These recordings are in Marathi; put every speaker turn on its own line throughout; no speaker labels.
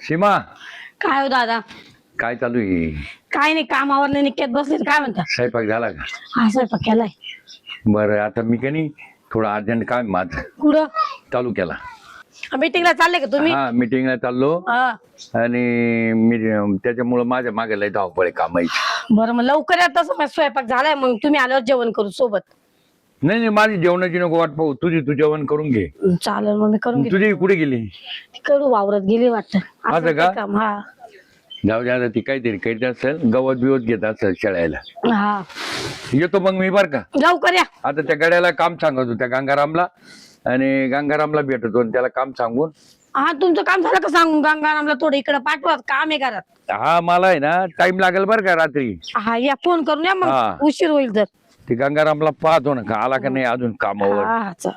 सीमा,
काय हो दादा?
काय चालू आहे?
काय नाही, कामावर नाही निघत बसले. काय म्हणता?
स्वयंपाक झाला का?
हा, स्वयंपाक केलाय.
बरं, आता मी का नाही थोडं अर्जंट काम आहे माझं.
कुठं?
तालुक्याला.
मीटिंगला चालले का तुम्ही?
हा, मीटिंगला चाललो
हा.
आणि मी त्याच्यामुळं माझ्या मागे लय धावपळ आहे कामाची.
बरं, मग लवकर या. तसं माझा स्वयंपाक झालाय, मग तुम्ही आल्यावर जेवण करू सोबत.
नाही नाही, माझी जेवणाची नको वाट पाहू, तू जेवण करून घे.
चालेल, मग मी करून घेते.
तुझी कुठे गेली?
करू वावरत गेली वाटतं.
असं का?
काम. हा
जाऊ द्या, ती काहीतरी करीत असेल, गवत बिवत घेत असेल शेळायला.
हा,
येतो मग मी बर का.
लवकर या.
आता त्या गड्याला काम सांगतो, त्या गंगारामला, आणि गंगारामला भेटतो आणि त्याला काम सांगून.
हा, तुमचं काम झालं का सांगून गंगारामला थोडं इकडे पाठवा, काम आहे घरात.
हा, मला आहे ना टाइम लागेल बरं का रात्री.
हा, या फोन करून या,
हा.
मग उशीर होईल तर.
ते गंगारामला पाहतो ना, का आला का नाही अजून कामावर.
हा, चल.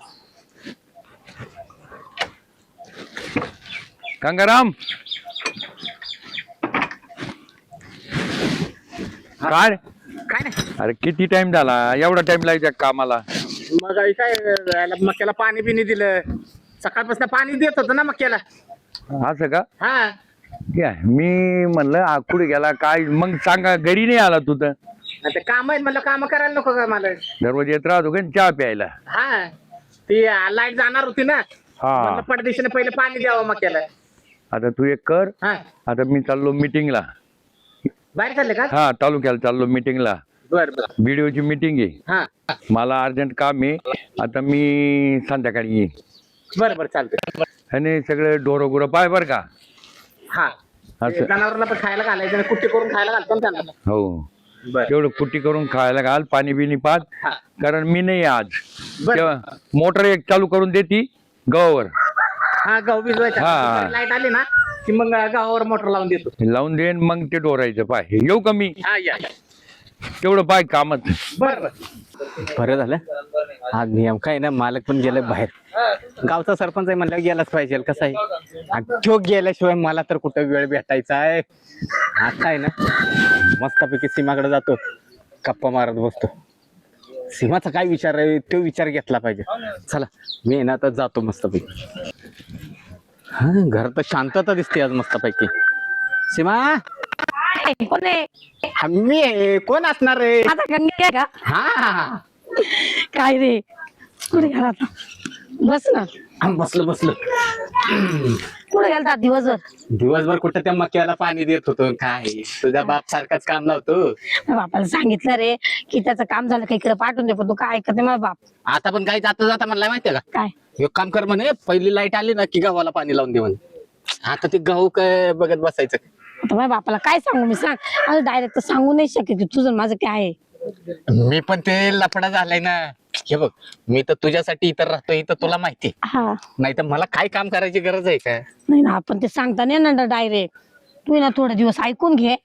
गंगाराम, काय
काय नाही.
अरे किती टाइम झाला? एवढा टाइम लागायचा कामाला?
मग काय मक्याला पाणी बिनी दिलं, सकाळपासून पाणी देत होतं ना मक्याला.
असं का?
हा,
काय मी म्हणलं कुठे गेला काय, मग सांगा घरी नाही आला तू तर.
आता काम आहेत म्हणलं, काम करायला नको का मला?
दररोज येत राहतो का चहा प्यायला?
हा, ती लाईट जाणार होती ना,
हा,
म्हणलं पडदेशीने पहिले पाणी द्यावं मक्याला.
आता तू एक कर.
हा,
आता मी चाललो मीटिंगला.
बाहेर चालले का?
हा, तालुक्याला चाललो मीटिंगला.
बर बर.
बीडीओची मीटिंग आहे.
हा,
मला अर्जंट काम आहे. आता मी संध्याकाळी येईन.
बर बर, चालतंय.
आणि सगळे ढोरं गुरं पाय बर का.
हा,
असं.
जनावरांना पण खायला घालायचं, कुट्टी करून खायला घालतो ना त्यांना.
हो,
बर
तेवढं कुट्टी करून खायला घाल, पाणी बिनी पाच.
हा,
कारण मी नाही आज.
बर.
तेव्हा मोटर एक चालू करून देती गव्हावर.
हा, गहू भिजवायचा.
हा.
लाईट आली ना की मग गव्हावर मोटर लावून देतो.
लावून देईन, मग ते डोरायचं पाय. येऊ का मी?
हा, या.
तेवढं पाय कामच.
बर बर.
बरं झालं आज नियम काय ना, मालक पण गेले बाहेर. गावचा सरपंच आहे म्हणल्यावर गेलाच पाहिजे. कसं आहे, आणि तो गेल्याशिवाय मला तर कुठं वेळ भेटायचा आहे. आता आहे ना, मस्तपैकी सीमाकडे जातो, गप्पा मारत बसतो. सीमाचा काय विचार आहे तो विचार घेतला पाहिजे. चला, मी आहे ना आता जातो मस्तपैकी. हा, घर तर शांतता दिसते आज मस्तपैकी. सीमा,
कोण आहे?
हा, मी आहे. कोण असणार रे?
आता गंगे आहे का?
हा,
काय रे, कुठे गेला आता? बस ना.
बसलो.
कुठे गेलता दिवसभर?
दिवसभर कुठं त्या मक्याला पाणी देत होतो. काय तुझा बाप सारखाच काम लावतो.
बापाला सांगितलं रे की त्याचं काम झालं का इकडे पाठवून दे, पण तू काय ऐकत नाही माझा बाप.
आता पण काही जाता जाता म्हणला माहितीये का,
काय?
एक काम कर म्हणे, पहिली लाईट आली ना की गव्हाला पाणी लावून दे म्हणे. आता ते गहू काय बघत बसायचं.
आता माझ्या बापाला काय सांगू मी? सांग. आता डायरेक्ट तर सांगू नाही शकत की तुझं माझं काय आहे.
मी पण ते लफडा झालाय ना. हे बघ, मी तर तुझ्यासाठी इतर राहतो, इथं तुला माहिती.
हा,
नाही तर मला काय काम करायची गरज आहे का?
नाही ना, आपण ते सांगता नाही ना डायरेक्ट. तू ना थोडे दिवस ऐकून घे.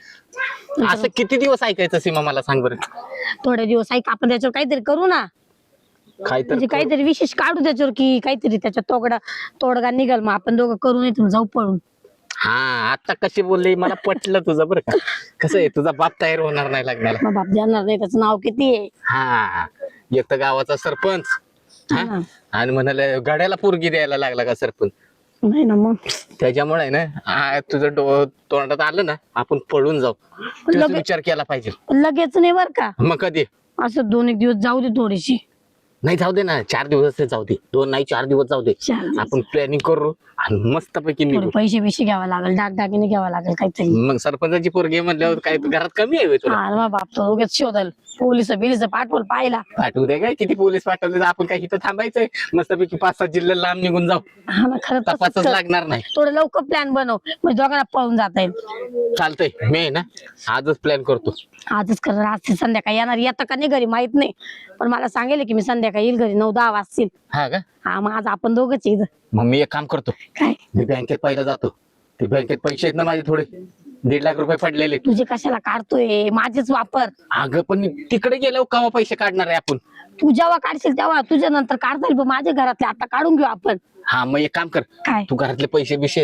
असं किती दिवस ऐकायचं सीमा, मला सांग बरं.
थोडे दिवस ऐक, आपण त्याच्यावर काहीतरी करू ना.
काय तर
म्हणजे काहीतरी विशेष काढू त्याच्यावर, की काहीतरी त्याच्या तोडगा निघाल, मग आपण दोघं करू नाही जाऊ पळून.
हा, आता कशी बोलली मला पटलं तुझं बरं का. कसं आहे, तुझा बाप तयार होणार नाही लग्नाला.
मग बाप जाणार नाही, त्याचं नाव किती आहे.
हा, एक तर गावाचा सरपंच, हा?
हा.
आणि म्हणाले गाड्याला पोरगी द्यायला लागला का सरपंच.
नाही ना, मग
त्याच्यामुळे आहे ना, तुझं तोंडात आलं ना, आपण पळून जाऊ. तोच
लगे-
विचार केला पाहिजे.
लगेच नाही बर का.
मग कधी?
असं 2 एक दिवस जाऊ दे थोडीशी.
नाही, जाऊ दे ना, 4 दिवस जाऊ दे, 2 नाही 4 दिवस जाऊ दे.
4 दिवस.
आपण प्लॅनिंग करू आणि मस्तपैकी
थोडे
निघू.
पैसे बिशे घ्यावा लागेल, दागिने घ्यावा लागेल काहीतरी.
मग सरपंचाची पोरगी म्हणल्यावर काय घरात कमी आहे होय तुला?
हा, मग बाप तो उगाच शोधल, पोलिस बिलिस पाठवल पाहिला.
पाठवू दे काय, किती पोलीस पाठवले, आपण काय इथं थांबायचंय? मस्तपैकी 5-6 जिल्हे लांब निघून जाऊ,
हा ना, खरंच तसंच
तपासच
कर.
लागणार नाही.
थोडं लवकर प्लॅन बनव, म्हणजे दोघांना पळून जाता येईल.
चालतंय, मी आहे ना आजच प्लॅन करतो.
आजच कर, आज संध्याकाळी येणार, येतं का नाही घरी माहित नाही, पण मला सांगेल की मी संध्याकाळी येईल घरी 9-10 वाजतील.
हा का?
हा, मग आज आपण दोघंच आहे इथं.
मग मी एक काम करतो,
काय?
मी बँकेत पहिला जातो. ते बँकेत पैसे आहेत ना माझे थोडे, 1.5 लाख रुपये पडलेले.
तुझे कशाला काढतोय? माझेच वापर.
अगं पण तिकडे गेल्यावर केव्हा पैसे काढणार आहे आपण?
तू जेव्हा काढशील तेव्हा, तुझ्या नंतर काढता येईल, पण माझ्या घरातले आता काढून घेऊ आपण.
हा, मग एक काम कर,
काय?
तू घरातले पैसे बिशे आहेत ना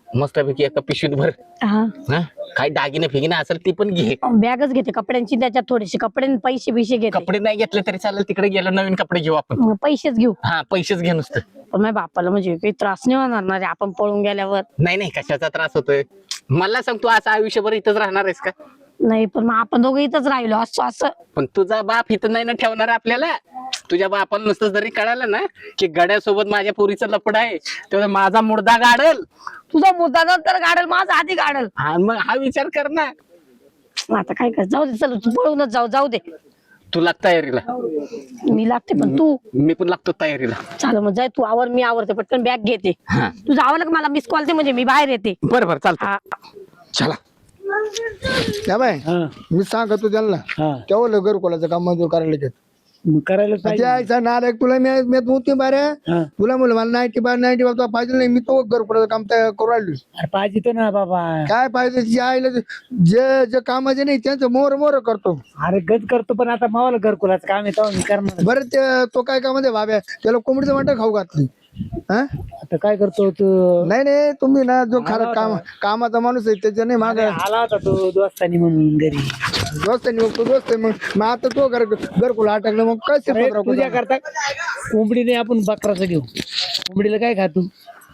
मस्तपैकी एका पिशवीत भर.
हा
हा काय दागिने फिगिने असेल ती पण घे.
बॅगच घेते कपड्यांची, त्याच्यात थोडेसे कपडे आणि पैसे बिशे घेते.
कपडे नाही घेतले तरी चालेल, तिकडे गेलो नवीन कपडे घेऊ आपण.
मग पैसेच घेऊ.
हा पैसेच घे नुसतं.
पण माझ्या बापाला म्हणजे काही त्रास नाही होणार ना रे आपण पळून गेल्यावर?
नाही नाही कशाचा त्रास होतोय मला सांग, तू असं आयुष्यभर इथंच राहणार आहेस का?
नाही पण मग आपण दोघं इथंच राहिलो असं असं.
पण तुझा बाप इथं नाही ना ठेवणार आपल्याला. तुझ्या बापाला नुसतं जरी कळालं ना की गड्यासोबत माझ्या पोरीचं लपड आहे, तेव्हा माझा मुर्दा गाडल.
तुझा मुद्दा नंतर गाडल, माझा आधी गाडल.
हा मग हा विचार कर ना.
आता काय कर, जाऊ दे, चल तू पळूनच जाऊ दे.
तू लाग तयारीला.
मी लागते पण तू.
मी पण लागतो तयारीला.
चाल मग जाय तू, आवर मी आवरते, पटकन बॅग घेते.
हा
तुझं आवरलं का मला मिस कॉल दे, म्हणजे मी बाहेर येते.
बरं बरं चालतं.
हा.
चला.
या बाय मी सांगतो त्यांना तेवढं घरकुलाचं काम मंजूर करायला घेत
करायला
त्याचा नारायक तुला मी होती बारे तुला म्हणलं मला 90 बाबा पाहिजे नाही, मी तो घरकुलाचं काम तयार करू राहिलो.
पाहिजे तो ना बाबा.
काय पाहिजे जे आईला जे जे कामाचे नाही त्यांचं मोर मोर करतो.
अरे गज करतो पण आता मावाला घरकुलाचं काम येतो मी करणार.
बरं ते तो काय कामाचे बाब्या त्याला कोंबडीचं वाटत खाऊ घातली.
आता काय करतो तू?
नाही तुम्ही ना जो खरा कामाचा माणूस आहे त्याच्या नाही माग
आला होता तो दोस्तानी म्हणून घरी.
दोस्त आहे मग आता तो घरकुला अटकलं मग काय
तुझ्या करता कोंबडीने आपण बकराचं घेऊ. कोंबडीला काय खातो?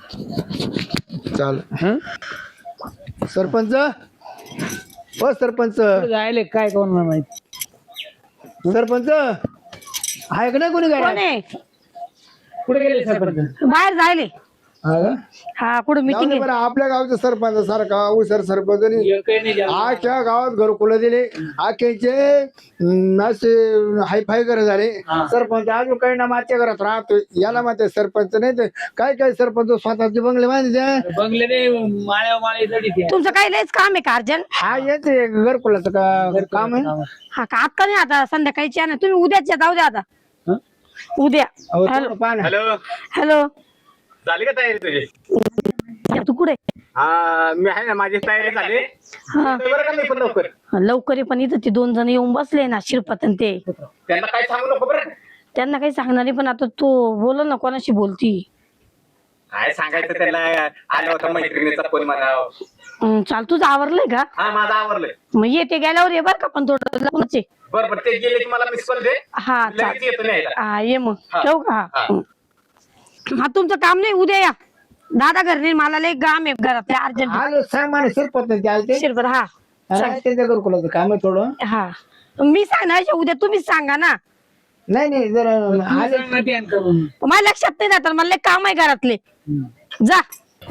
चाल सरपंच हो सरपंच
जायले काय कोण माहिती.
सरपंच आहे का नाही कोणी
कोण
गाडी?
आहे?
कुठे गेले सरपंच?
बाहेर जायले. हा कुठं मीटिंग
बरं आपल्या गावचा सरपंच सारखा हुशार सरपंच आख्या गावात घरकुलं दिले, आख्याचे असे हायफाय घर झाले. सरपंच अजून काही ना मागच्या घरात राहतोय, याला माहिती सरपंच नाही तर काय सरपंच स्वतःचे बंगले बांधले.
बंगले नाही माळ्या माळे जडी.
तुमचं काही लयच काम आहे का अर्जंट?
हा येते घरकुलाचं काम आहे.
हा का आता नाही, आता संध्याकाळीची आहे ना, तुम्ही उद्याच जाऊ द्या आता. उद्या.
थोडं पाहा ना.
हॅलो
हॅलो
झाली का तयारी तुझी?
तू कुठे?
मी आहे ना, माझी तयारी झाली.
हा
बरं का मी पण लवकर.
लवकर ये, पण इथं ते 2 जण येऊन बसले ना शिरपत आणि ते.
त्यांना काय सांगू नको बरं.
त्यांना काही सांगणार नाही, पण आता तू बोल ना, कोणाशी बोलती?
काय सांगायचं त्याला, आला होता मैत्रिणीचा फोन मला.
चाल, तुझं आवरलंय का?
हा माझं आवरलंय.
मग येते गेल्यावर ये बर का, पण थोडं लवकरच ये.
बरं ते गेले की मला मिस कॉल दे.
हा चाल.
लगेच येतो न्यायला.
हा ये मग. ठेवू का?
हा.
हा तुमचं काम नाही, उद्या या. दादा घर नाही, मला लय काम आहे घरात अर्जंट.
आलो सांग मला सरपंच आलते
शिरपत. हा
त्यांच्या घरकुलाचं काम आहे थोडं.
हा मी सांगणार उद्या, तुम्हीच सांगा ना.
नाही जरा आले
माझ्या लक्षात नाही ना, तर मला लय काम आहे घरातले. जा.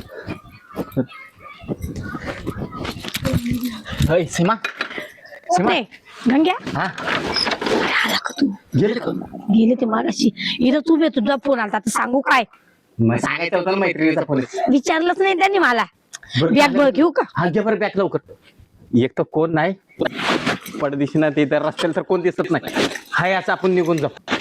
होय सीमा.
नाही, गंग्या
हा
आला का तू? गेले ते मागाशी. इथं उभे, तुझा फोन आला, आता सांगू काय?
मग सांगायचं होतं ना मैत्रिणीचा फोन.
विचारलंच नाही त्यांनी मला. बॅग बघ घेऊ का?
हा घे बरं बॅग लवकर. एक तर कोण नाही पडदिशी ना, ते तर रस्त्याला तर कोण दिसत नाही. हाय असं आपण निघून जाऊ.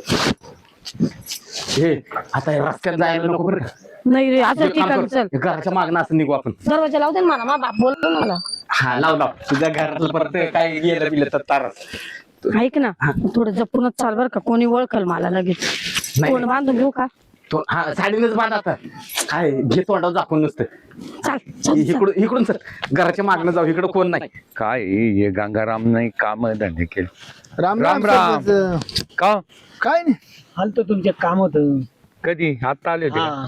हे आता रस्त्यात जायला नको बरं.
नाही रे, असं ठिकाण चल.
घराच्या मागणं असं निघू आपण.
दरवाजा लावते ना मला, मा बाप बोलतो ना मला.
हा लाव तुझ्या घरातलं परत काय गेलं बिलं तर तारच.
ऐक ना, थोडं जपूनच चाल बर का, कोणी ओळखल मला लगेच.
नाही.
कोण बांधून घेऊ का?
तो हा साडीनेच बांध आता. काय घे तोंडावर झाकून नसतं.
चाल चल.
इकडून सर घराच्या मागणं जाऊ, इकडं कोण नाही.
काय हे गंगाराम नाही काम धंदे केले.
राम
राम
राम
राम.
सरपंच.
का
काय नाही
आलतो तुमचे काम होत.
कधी आता आले होते का?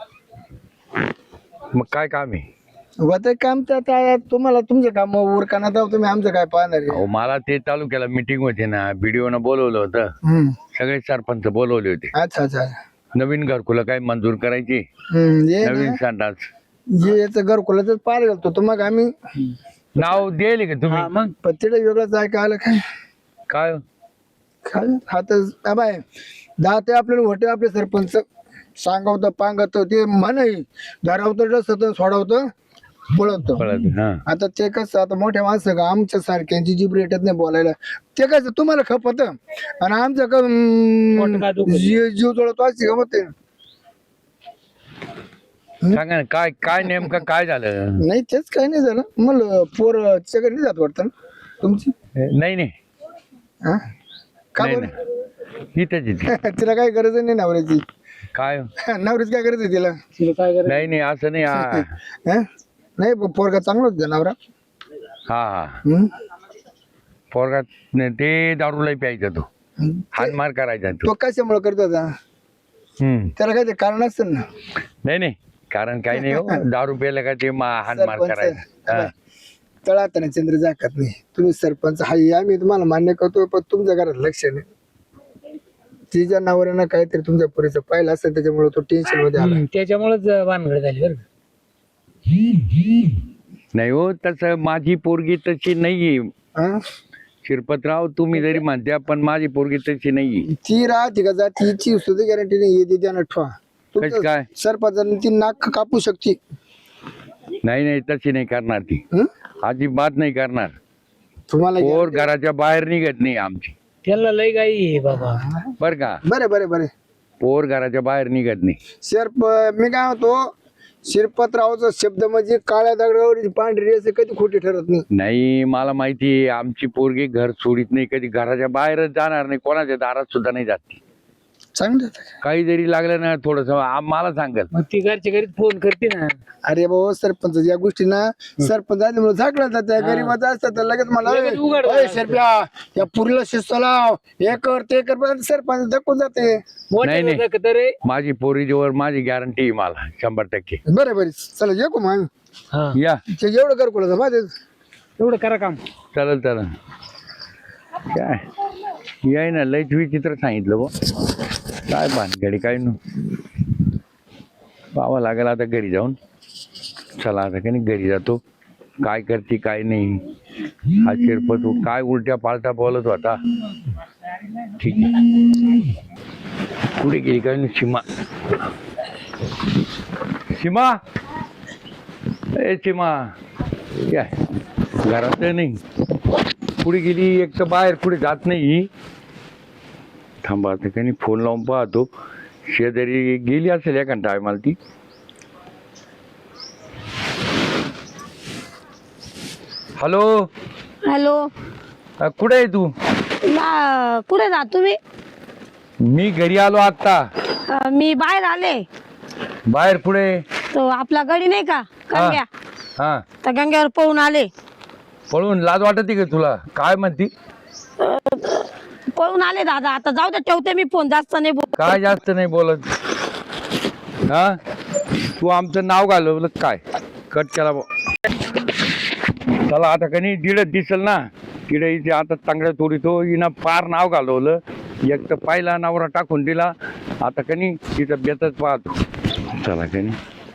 मग काय काम आहे?
होतं काम तर आता तुम्हाला तुमचं काम उरकाना जाऊ, तुम्ही आमचं काय पाहणार आहे?
अहो मला ते तालुक्याला मीटिंग होती ना, बीडीओ न बोलवलं होतं. सगळे सरपंच बोलवले होते.
अच्छा
नवीन घरकुलं काय मंजूर करायची,
ये
नवीन
ना,
संडास.
जे याचं घरकुलाच पार घालतो तर मग आम्ही
नाव द्यायले का तुम्ही?
मग पत्तीला वेगळंच ऐका आलं काय
काय
काय आता बाय दाते आपल्याला होते आपले सरपंच सांगवतं पांगवतं ते म्हणाई धरावतं डसतं सोडवतं पळवतं.
कळत हा.
आता ते कसं आता मोठ्या माणसं का आमच्या सारख्यांची जीभ रेटत नाही बोलायला. ते कसं तुम्हाला खपत आणि आमचं का जीव जळतो अशी गमत आहे.
सांगा ना, काय काय नेमकं काय झालं?
नाही तेच काही नाही झालं. मला पोर सगळं नाही जात वाटतं ना तुमची?
नाही नाही
हा का
नाही,
बरं?
नाही. इथंच इथे.
तिला काही गरज नाही नवऱ्याची.
काय
नवरीच काय करते तिला
तिला काय करायचं?
नाही नाही असं नाही हा
हं? नाही पोरगा चांगला होता नवरा
हा
हं?
पोरगा नाही, ते दारूला प्यायचा तो
हं?
हानमार करायचा तो
तो कशामुळे करतो होता त्याला काय ते कारण असतं ना
नाही नाही कारण काही नाही हो दारू प्यायला का ते हानमार करायचा हा.
तळात ना चंद्र जाकत नाही तुम्ही सरपंच हाय आम्ही तुम्हाला मान्य करतो पण तुमच्या घरात लक्ष नाही तिच्या नवऱ्यानं काहीतरी तुमच्या पुरीचं पाहिलं असेल त्याच्यामुळे तो टेन्शन मध्ये आला
त्याच्यामुळेच भानगड झाली बरं का.
नाही हो तसं माझी पोरगी तशी नाहीये
हं?
शिरपतराव तुम्ही जरी म्हणत्या पण माझी पोरगी तशी नाहीये
ती राहते का जाती हिची सुद्धा गॅरंटी नाही येते त्यानं ठेवा
कशी काय
सरपंचाने ती नाक कापू शकते
नाही नाही तशी नाही करणार ती
हं?
अजिबात नाही करणार
तुम्हाला
पोर घराच्या बाहेर निघत नाही आमची
त्याला लय गाई आहे बाबा.
बर का
बरे बरे बरे
पोर घराच्या बाहेर निघत नाही
मी काय होतो शिरपतरावचा शब्द म्हणजे काळ्या दगडावर पांढरी असं कधी खोटी ठरत नाही
नाही मला माहिती आहे आमची पोरगी घर सोडित नाही कधी घराच्या बाहेरच जाणार नाही कोणाच्या दारात सुद्धा नाही जात
चांगलं
काही जरी लागलं ना थोडस मला सांगल
मग ती घरच्या घरीच फोन करते ना.
अरे भाऊ सरपंच या गोष्टी ना सरपंच आल्यामुळे झाकलं जातं गरीबाचं असतं तर लगेच मला
लगेच उघड
"ओय, शेरप्या या पुरीला शिस्त लाव हे कर ते कर पण सरपंच धक्कून जाते
मोठे
नाही.
होतं का रे.
माझी पोरीजवळ माझी गॅरंटी आहे मला 100%.
बरे बरे चला येऊ मग
हा
या
ते एवढं कर कुठं माझे
एवढं करा काम.
चालेल चालेल काय याय ना लयच विचित्र सांगितलं बो काय भानगडी काय न पाहावं लागेल आता घरी जाऊन चला आता काही घरी जातो काय करते काय नाही हा शिरपत काय उलट्या पालटा बोलत होता ठीक आहे पुढे गेली काय नाही सीमा सीमा ए सीमा काय घरात नाही पुढे गेली एक तर बाहेर पुढे जात नाही थांबा आता काही फोन लावून पाहतो शेजारी गेली असेल एका टायमाला ती हॅलो
हॅलो
कुठे आहे तू
कुठे जा तुम्ही
मी घरी आलो आता
मी बाहेर आले
बाहेर पुढे
तो आपला गडी नाही का गंग्या
हा
त्या गंग्यावर पळून आले
पळून लाज वाटते का तुला काय म्हणती
पळून आले दादा आता जाऊ दे ठेवते मी फोन जास्त नाही
काय जास्त नाही बोलत हा तू आमचं नाव घालवलं काय कट केला चला आता कनी दिडत दिसल ना तिडे इथे आता चांगल्या थोडीतो हिनं फार नाव घालवलं एक तर पहिला नवरा टाकून दिला आता कनी तिथं बेतच पाहतो चला कनी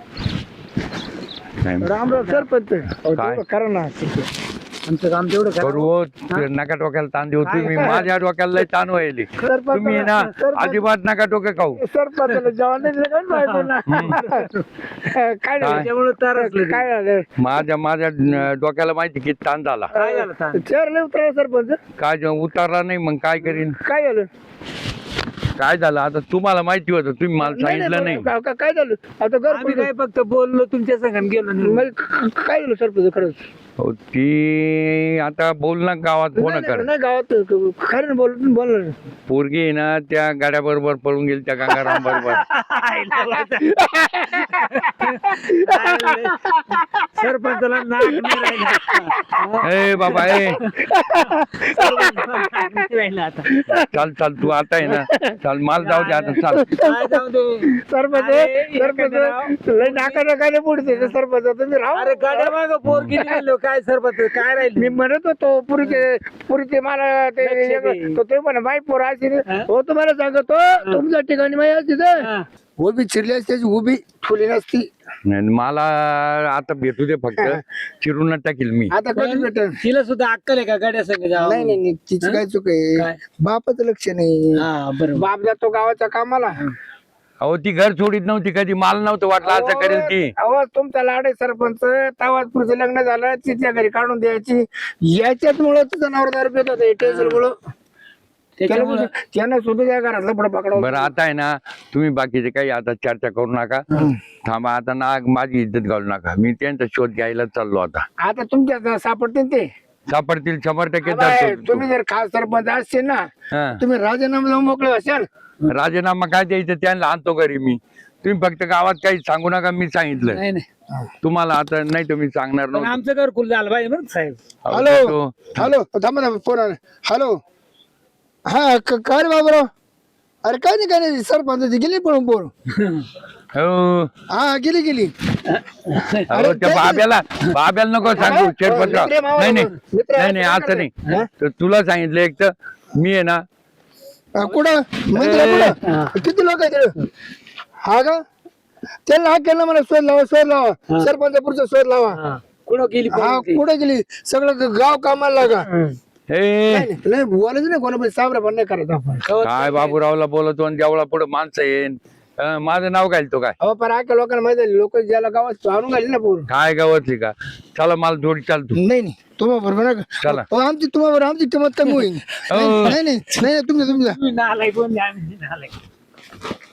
राम राम सरपंच
काय?
करा ना
आमचं काम तेवढं करा.
करू हो, ते नका डोक्याला ताण देऊ तुम्ही माझ्या डोक्याला लय ताण व्हायली तुम्ही ना अजिबात नका डोकं खाऊ
सरपंचाला जेवण नाही दिलं काय माहिती ना. काय झालं
त्याच्यामुळे तर
काय झालं
माझ्या डोक्याला माहिती किती ताण झाला
काय झालं सांग.
चेअर नाही उतरला सरपंच
काय उतारला नाही मग काय करीन
काय झालं
काय झालं आता तुम्हाला माहिती होतं तुम्ही मला सांगितलं नाही
काय झालं आता घर
आम्ही काय फक्त बोललो तुमच्या संघात गेलो नाही.
काय झालं सरपंच खरंच
हो, ती आता बोल ना गावात फोन कर
नाही गावात खरं बोल
पोरगी आहे ना त्या गाड्या बरोबर पळून गेली त्या गंगाराम बरोबर
सरपंचाला नाक नाही राहिलं.
ए बाबा ए
राहिलं आता.
चाल चाल तू आता आहे ना चाल माल जाऊ दे आता चाल
काय जाऊ दे.
सरपंच लय नाका नाकाने पुढचे सरपंच तुम्ही राहू
अरे गाड्या मागं पोरगी राहिलो काय सरपंच काय राहिलं.
मी म्हणत होतो पुरीचे मला ते
लक्ष दे.
ते म्हणा माई पोर अशी हो तुम्हाला सांगतो तुमच्या ठिकाणी माई असते
हा.
उभी चिरली असते उभी ठुली नसती
नाही, मला आता भेटू दे फक्त चिरून टाकील मी
आता कधी भेटल
तिला सुद्धा अक्कल आहे का गाड्या संघ जावं.
नाही नाही तिची काय चूक आहे
काय?
बापाचं लक्ष नाही
हा बरोबर.
बाप जातो गावाच्या कामाला
अहो ती घर सोडित नव्हती कधी माल नव्हतं वाटलं असं करेल ती
अहो तुमचा लाड आहे सरपंच तवाच पुढचं लग्न झालं तिच्या घरी काढून द्यायची याच्यात मुळे तुझं नवरा पेत होतं टेन्शन मुळे
त्याच्यामुळं
त्यानं सुद्धा त्या घरातलं पुढे पकडा
बरं आता आहे ना तुम्ही बाकीचे काही आता चर्चा करू नका थांबा आता ना माझी इज्जत घालू नका मी त्यांचा शोध घ्यायला चाललो आता
आता तुमच्या सापडते ते
सापडतील 100%
बाय,
धरतो.
तुम्ही जर खास सरपंच असते ना
हा.
तुम्ही राजीनामा लावून मोकळे असाल.
राजीनामा काय द्यायचं त्यांना आणतो घरी मी. तुम्ही फक्त गावात काही सांगू नका, मी सांगितलं
नाही नाही
तुम्हाला. आता नाही तुम्ही सांगणार
पण
नव्हतं.
आमचं घरकुल झालं पाहिजे बरं का साहेब.
अहो,
हॅलो
तो-
हॅलो थांबा ना फोन आला. हॅलो हा काय रे बाबराव. अरे काय नाही सरपंच गेली पळून पोर.
हो.
हा गेली
अहो, त्या बाब्याला नको सांगू शेरपतराव. नाही नाही नाही नाही असं नाही. तर तुला सांगितलं एक तर मी आहे ना.
कुठं मंदिरात किती लोक आहेत तिकडं? हा का त्यांना हा केलं मला शोध लावा सरपंच पुढचा शोध लावा.
कुठं गेली
हा कुठे गेली सगळं गाव कामाला लागा.
हे
नाही बोलायचं नाही कोणा साबरा पण नाही करायचं आपण.
काय बाबूरावला बोलतो आणि देवळा पुढे माणसं येईन. माझं नाव घालतो काय?
अहो पण आख्या लोकांना माहिती आहे लोक ज्याला गावात आणून घाली ना पोर.
काय गावातली का? चला मला जोडी चालतो.
नाही तुम्हा बरोबर
चला.
आमची तुम्हा बरोबर आमची किंमत कमी होईल. नाही तुमच्या
तुम्ही नालायक कोण नाही, आम्ही नालायक.